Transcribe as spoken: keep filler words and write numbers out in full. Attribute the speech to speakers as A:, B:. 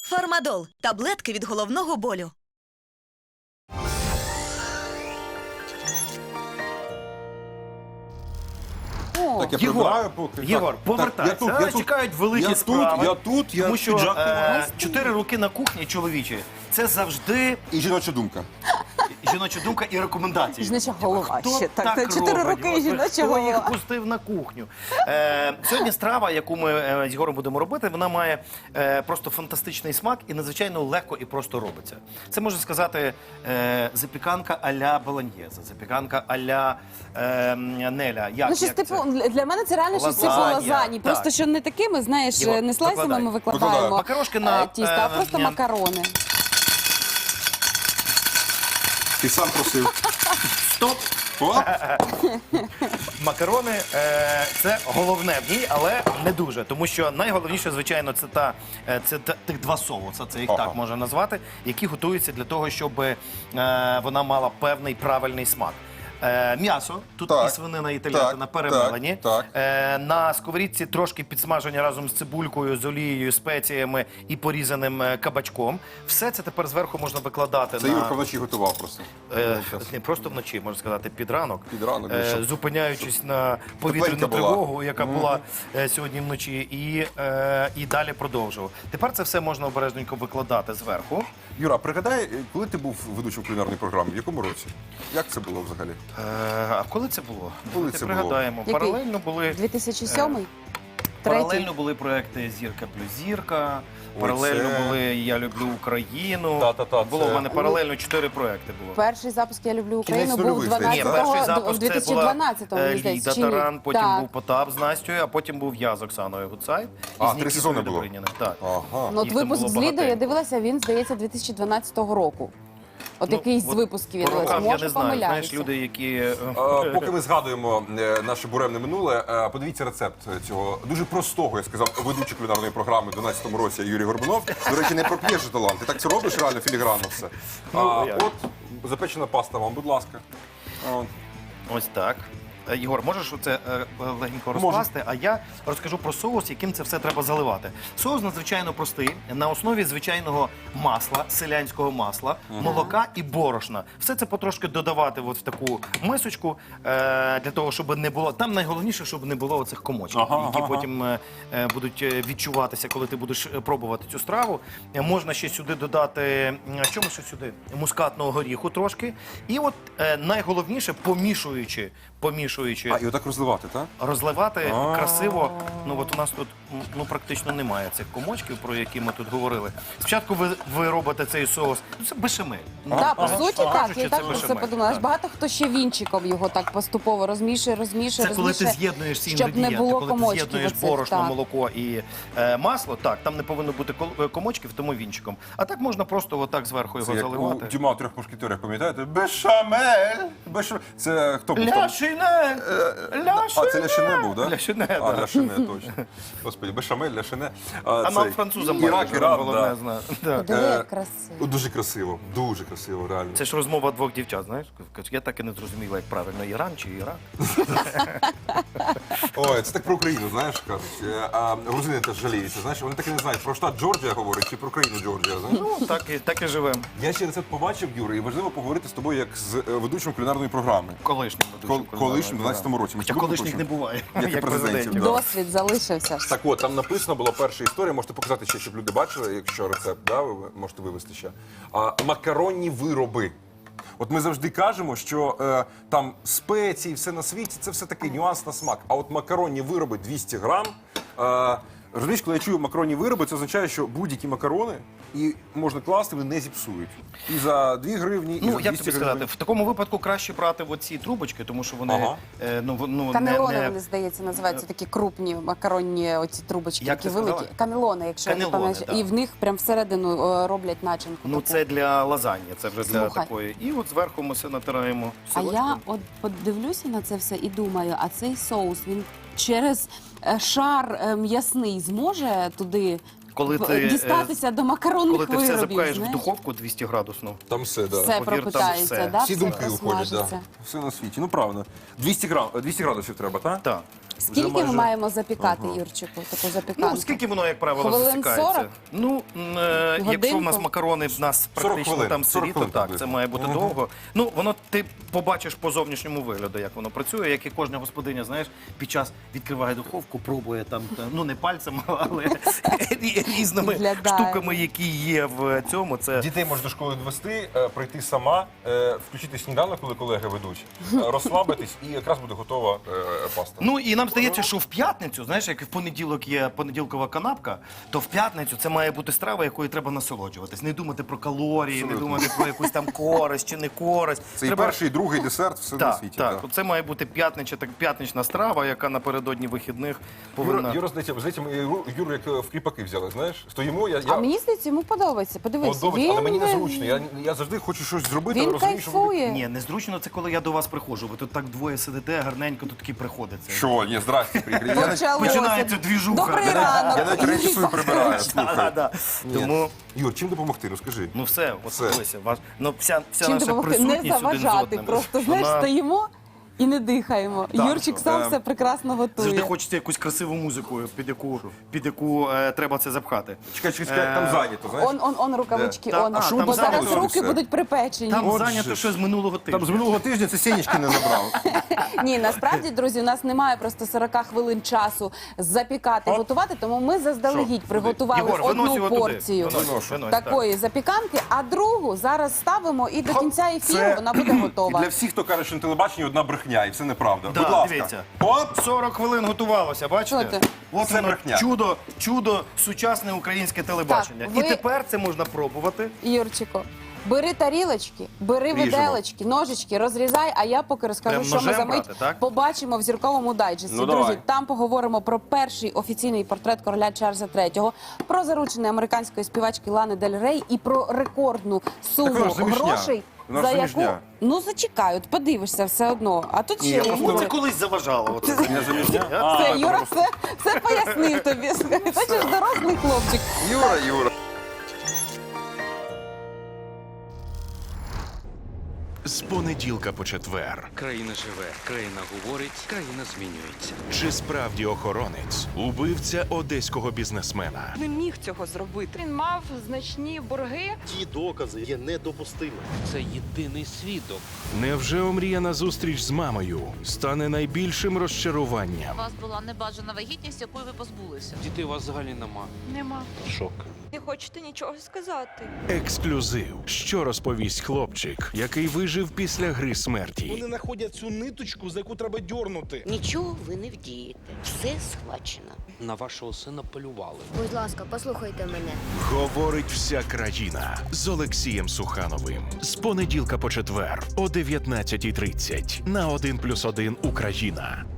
A: Фармадол – таблетки від головного болю.
B: Так, я
C: Єгор,
B: прибираю поки.
C: Єгор,
B: Так,
C: повертайся.
B: я тут,
C: А,
B: я тут,
C: чекають великі
B: я
C: справи.
B: Тут, я тут, я
C: Тому що
B: піджак
C: е,
B: помагаю.
C: чотири роки на кухні, чоловічі, це завжди
B: І жіноча думка.
C: жіноча думка і рекомендації.
D: Жіноча голова
C: Хто
D: ще, так,
C: так
D: чотири
C: робить?
D: роки і
C: От,
D: жіноча
C: хто
D: голова.
C: їх пустив на кухню? Е, сьогодні страва, яку ми е, з Єгором будемо робити, вона має е, просто фантастичний смак і надзвичайно легко і просто робиться. Це, можна сказати, е, запіканка а-ля болоньєза, запіканка а-ля е, Неля. Як,
D: Ну, щось
C: як
D: типу,
C: це?
D: для мене це реально щось типу
C: Лазанья,
D: лазані. Просто
C: так.
D: що не такими, знаєш,
C: Єгор,
D: не слайсами
C: викладай.
D: ми викладаємо
B: Викладаю.
C: Макарошки на,
D: е, тісто, а
C: е,
D: просто
C: ні.
D: макарони.
B: Ти сам просив.
C: Стоп!
B: О,
C: Макарони е, це головне в ній, але не дуже. Тому що найголовніше, звичайно, це та е, це та, тих два соуси, це їх
B: Ага.
C: так можна назвати, які готуються для того, щоб е, вона мала певний правильний смак. Е, м'ясо, тут
B: Так.
C: і свинина, і телятина
B: Так,
C: перемелені.
B: так, так.
C: Е, на сковорідці трошки підсмажені разом з цибулькою, з олією, спеціями і порізаним е, кабачком. Все це тепер зверху можна викладати
B: це
C: на...
B: Юрка вночі готував просто.
C: Е,
B: Ну,
C: не просто вночі, можна сказати, під ранок,
B: Під ранок,
C: е,
B: щоб-
C: зупиняючись на повітряну
B: тепленька була.
C: тривогу, яка була е, сьогодні вночі, і, е, і далі продовжував. Тепер це все можна обережненько викладати зверху.
B: Юра, пригадай, коли ти був ведучим кулінарної програми, в якому році? Як це було взагалі?
C: Е, а коли це було?
B: Коли
C: Давайте
B: це було?
C: пригадаємо.
D: Який?
C: Паралельно були
D: дві тисячі сьомий?
C: паралельно
D: Третій?
C: були проекти Зірка плюс зірка.
B: Ой,
C: Паралельно
B: це-
C: були Я люблю Україну.
B: Та-та-та,
C: було
B: це-
C: в мене паралельно чотири проекти було.
D: Перший запуск «Я люблю Україну»
B: Кінець
D: був
B: нульових, здається,
C: Ні,
B: так?
C: перший
D: дванадцятого,
C: запуск
D: в
C: це
D: дві тисячі дванадцятому,
C: була е,
D: мені здається,
C: Ліда
D: чи ні?
C: Таран, потім
D: Так.
C: був Потап з Настю, а потім був я з Оксаною Гуцай. І
B: А,
C: з
B: три
C: Нікітою
B: сезони було?
C: Добриніним. Так.
B: Ага.
D: Ну, от
C: Їх там
D: випуск
C: було
D: з Лідою, я
C: багатенько.
D: дивилася, він, здається, дві тисячі дванадцятого року. От
C: Ну,
D: якийсь з
C: от
D: випусків я
C: по
D: дивилася.
C: рокам я
D: Може,
C: не знаю. Знаєш,
D: помиляюся.
C: люди, які... е,
B: Е, Поки ми згадуємо е, наше буремне минуле, е, подивіться рецепт цього дуже простого, я сказав, ведучий кулінарної програми в дванадцятому році Юрій Горбунов. До речі, не проп'єш же талант. Ти так це робиш реально філігранно все.
C: Ну,
B: А,
C: як?
B: от запечена паста вам, будь ласка. А,
C: Ось так. Е, Єгор, можеш оце е, легенько розкласти, а я розкажу про соус, яким це все треба заливати. Соус надзвичайно простий, на основі звичайного масла, селянського масла, молока і борошна. Все це потрошки додавати от в таку мисочку, е, для того, щоб не було... Там найголовніше, щоб не було оцих комочків,
B: Ага,
C: які
B: ага.
C: потім е, е, будуть е, відчуватися, коли ти будеш е, пробувати цю страву. Е, Можна ще сюди додати, м, що ми ще сюди? Мускатного горіху трошки. І от е, найголовніше, помішуючи, помішуючи,
B: а, і отак розливати, так?
C: розливати
B: А.
C: красиво. Ну от у нас тут м, ну практично немає цих комочків, про які ми тут говорили. Спочатку ви, ви робите цей соус. Ну це бешамель. Ну,
D: Так, по
C: ага.
D: суті, так.
C: Кажучи,
D: Я
C: це
D: так про це
C: бешамель,
D: подумала. Аж
C: так.
D: багато хто ще вінчиком його так поступово розмішує, розмішує,
C: Це коли ти
D: розмішує,
C: з'єднуєш всі
D: щоб не
C: інгредієнти,
D: було
C: коли ти
D: комочків
C: з'єднуєш
D: оцих,
C: борошно,
D: так.
C: молоко і е, масло, так, там не повинно бути кол- е, комочків, тому вінчиком. А так можна просто отак зверху його
B: Це як у
C: заливати.
B: Дюма у трьох мушкетерах, пам'ятаєте? Бешамель! Бешамель. Це хто був там?
C: Ляшине!
B: А, це Ляшине був, так?
C: Ляшине,
B: А,
C: да.
B: Ляшине, точно. Господи, Бешамель, Ляшине.
C: А нам французам
B: Ірак, Іран,
C: головне
B: да.
C: знати. Да.
D: Диви,
B: Е,
D: як красиво.
B: Дуже красиво, дуже красиво, реально.
C: Це ж розмова двох дівчат, знаєш? Я так і не зрозуміла, як правильно, Іран чи Ірак.
B: Ой, це так про Україну, знаєш, кажуть. Е, А грузини теж жаліються, знаєш, вони так і не знають, про штат Джорджія говорять чи про країну Джорджія, знаєш.
C: Ну, так і, так і живемо.
B: Я ще рецепт побачив, Юра, і важливо поговорити з тобою як з е, ведучим кулінарної програми.
C: Колишнім ведучим.
B: Кол- колишнім, в дванадцятому році. Ми
C: Хоча
B: ж були
C: колишніх не
B: ведучим?
C: буває,
B: Як і
C: як
B: президентів,
C: президентів.
B: да.
D: Досвід залишився.
B: Так от, там написано була перша історія, можете показати ще, щоб люди бачили, якщо рецепт, да, ви можете вивести ще. А, макаронні вироби. От ми завжди кажемо, що е, там спеції, все на світі, це все такий нюанс на смак. А от макаронні вироби двісті грам. Е, розумієш, коли я чую макаронні вироби, це означає, що будь-які макарони і можна класти, вони не зіпсують. І за дві гривні, і
C: Ну,
B: за
C: як
B: двісті
C: тобі сказати,
B: гривень.
C: в такому випадку краще брати оці трубочки, тому що вони
B: Ага.
C: е, ну, в- ну,
D: Канелони,
C: не, не...
D: вони, здається, називаються такі крупні макаронні оці трубочки,
C: Як
D: такі
C: ти
D: великі.
C: сказала?
D: Канелони, якщо я не
C: Канелони,
D: пам'ятаю.
C: да.
D: І в них прям всередину е, роблять начинку.
C: Ну,
D: таку.
C: це для лазаньї, це вже для
D: Слухай.
C: такої. І от зверху ми все натираємо
D: А
C: сирочком.
D: я от подивлюся на це все і думаю, а цей соус, він через е, шар е, м'ясний зможе туди
C: Коли
D: в-
C: ти, е,
D: дістатися до макаронних
C: Коли ти все
D: виробів,
C: запхаєш в
D: знаєш?
C: духовку двісті градусну.
B: Там все, да.
D: Все
C: Повір, там
D: пропитається,
C: все.
D: да?
B: Всі
D: все
B: думки уходять, да.
D: просмажиться.
B: Все на світі. Ну, правильно. двісті, грам, двісті градусів треба, так?
C: Так.
D: Скільки
C: майже-
D: ми маємо запікати, Юрчику, таку запіканку?
C: Ну, скільки воно, як правило,
D: Хвилин
C: засікається?
D: сорок?
C: Ну, м, е, якщо в нас
D: Годинку?
C: макарони в нас
B: сорок
C: практично
B: хвилин,
C: там
B: сорок
C: сирі, то
B: хвилин
C: так,
B: приблизно.
C: це має бути довго. Ну, воно ти побачиш по зовнішньому вигляду, як воно працює, як і кожна господиня, знаєш, під час відкриває духовку, пробує там, та- ну не пальцем, але рі- різними
D: Виглядає.
C: штуками, які є в цьому. Це
B: Дітей можна до школи довести, е, прийти сама, е, включити сніданок, коли колеги ведуть, е, розслабитись, і якраз буде готова е, паста.
C: Ну і нам здається, що в п'ятницю, знаєш, як в понеділок є понеділкова канапка, то в п'ятницю це має бути страва, якою треба насолоджуватись. Не думати про калорії, не
B: Абсолютно.
C: думати про якусь там користь чи не користь.
B: Це і
C: Треба-
B: перший, і другий десерт, все на
C: Так,
B: світі.
C: так. Це має бути п'ятнича, так п'ятнична страва, яка напередодні вихідних повинна.
B: Юра, Юра, здається, здається, ми Юру, Юру як е, в кріпаки взяли, знаєш? Стоїмо, я, я
D: А мені здається, йому подобається. Подивись,
B: подобається, але мені
D: він-
B: незручно. Я, я завжди хочу щось зробити, але
D: Він
B: розумію, що буде...
D: кайфує.
C: Ні, незручно це коли я до вас приходжу. Ви тут так двоє сидите, гарненько тут такі приходиться.
B: Що? Ні, здрасте, приїхали. Я навіть-
D: Почалося.
C: Починається двіжуха.
D: Добрий
C: Я
D: ранок.
B: Я навіть речі свої прибираю,
C: Да,
B: слухай.
C: да, да.
B: Ні.
C: Тому,
B: Юр, чим допомогти? Розкажи.
C: ну все, от
B: Все.
C: дивися, ваш, ну вся, вся
D: Чим
C: наша
D: допомогти?
C: присутність
D: Не
C: один з
D: заважати,
C: одним.
D: просто, знаєш,
C: Вона-
D: стоїмо і не дихаємо.
C: Так,
D: Юрчик
C: що?
D: сам
B: Е,
D: все прекрасно
C: Завжди
D: готує.
C: хочеться якусь красиву музику, під яку, під яку е, треба це запхати.
B: Чекай, чекай, чекай, там зайнято, знаєш?
D: Он, он, он рукавички,
C: Де?
D: он.
C: Та- а що
D: Бо
C: там
D: зараз
C: зайнято
D: руки
B: все?
D: будуть припечені.
C: Там
B: Отже
C: зайнято
B: ж.
C: щось з минулого тижня.
B: Там з минулого тижня це сінечки не забрав.
D: Ні, насправді, друзі, у нас немає просто сорок хвилин часу запікати,
C: Оп.
D: готувати, тому ми заздалегідь
C: Що?
D: приготували
C: Єгор, винось
D: одну
C: його туди.
D: порцію
C: Винось,
B: Виношу.
C: винось, так.
D: такої запіканки, а другу зараз ставимо і до кінця ефіру
B: Це-
D: вона буде
B: І
D: готова.
B: для всіх, хто каже, що на телебаченні одна брехня, і все неправда.
C: Да,
B: Будь ласка.
C: дивіться.
B: Оп!
C: сорок хвилин готувалося, бачите?
D: Що ти?
C: От
B: Це
C: воно,
B: брехня.
C: чудо, чудо сучасне українське телебачення.
D: Так, ви-
C: І тепер це можна пробувати.
D: Юрчико, бери тарілочки, бери
B: Ріжемо.
D: виделочки, ножички, розрізай, а я поки розкажу,
C: Прям
D: що ми
C: ножем
D: за мить
C: брати, так?
D: побачимо в зірковому дайджесті.
B: Ну,
D: Друзі,
B: давай.
D: там поговоримо про перший офіційний портрет короля Чарльза третього, про заручення американської співачки Лани Дель Рей і про рекордну суму
B: вона ж заміжня.
D: грошей,
B: Вона ж
D: за яку...
B: заміжня.
D: Ну, зачекай, от подивишся все одно. А тут
B: Ні,
D: ще
B: я просто-
D: йому...
C: Це колись заважало. Оце.
B: Не заміжня?
D: Все, Юра все, все пояснив тобі. Бачиш, дорослий хлопчик.
B: Юра, Юра.
E: З понеділка по четвер.
F: Країна живе, країна говорить, країна змінюється.
E: Чи справді охоронець убивця одеського бізнесмена?
G: Не міг цього зробити. Він мав значні борги.
H: Ті докази є недопустимими.
F: Це єдиний свідок.
E: Невже омріяна зустріч з мамою стане найбільшим
I: У
E: розчаруванням?
I: вас була небажана вагітність, якої ви позбулися.
F: Дітей у вас взагалі нема.
G: Нема.
F: Шок.
G: Не хочете нічого сказати.
E: Ексклюзив. Що розповість хлопчик, який вижив після гри смерті?
H: Вони знаходять цю ниточку, за яку треба дьорнути.
J: Нічого ви не вдієте. Все схвачено.
F: На вашого сина полювали.
J: Будь ласка, послухайте мене.
E: Говорить вся країна з Олексієм Сухановим. З понеділка по четвер о дев'ятнадцятій тридцять на один плюс один Україна.